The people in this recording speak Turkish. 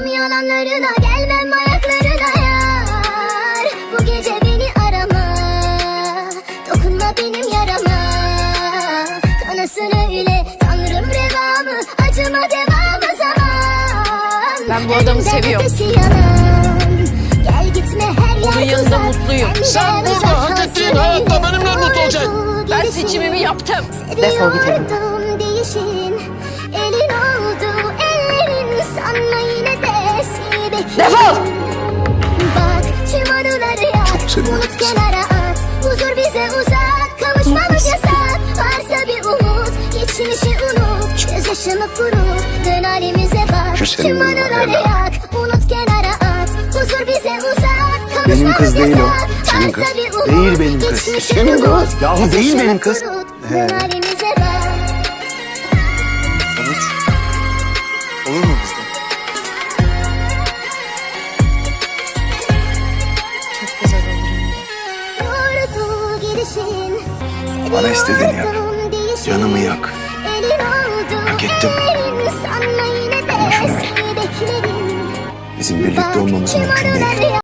Kanmam yalanlarına, gelmem ayaklarına yar. Bu gece beni arama, dokunma benim yarama. Kanasın öyle tanrım revamı, acıma devamı zaman. Ben bu adamı seviyorum. Gel gitme her yer Onun yanında mutluyum. Sen burada hak ettiğin hayatta benimle mutlu olacaksın. Ben seçimimi yaptım. Defol gidelim. Değişin, elin oldu ellerin, sanma yine de seni beklerim. Defol! Bak tüm anıları yak, unut kenara at. Huzur bize uzak, kavuşmamız yasak. Varsa bir umut, geçmişi unut. Gözyaşımı kurut, dön halimize bak. Tüm anıları yak, unut kenara at. Huzur bize uzak, kavuşmamız Benim kız değil o. yasak. Senin Varsa kız. bir umut, Değil benim kız. geçmişi Senin kız. unut. Yahu değil benim kız. Gözyaşımı kurut, He. dön halimize bak. Sonuç olur mu bizde? Çok güzel olur. Yordu gidişin, Bana istediğini yap. seviyordum değişin. Canımı yak. Elin oldu Hak ettim. ellerin, sanma yine de Ama şunu bil. seni beklerim. Bizim birlikte Bak, olmamız tüm mümkün değil. anıları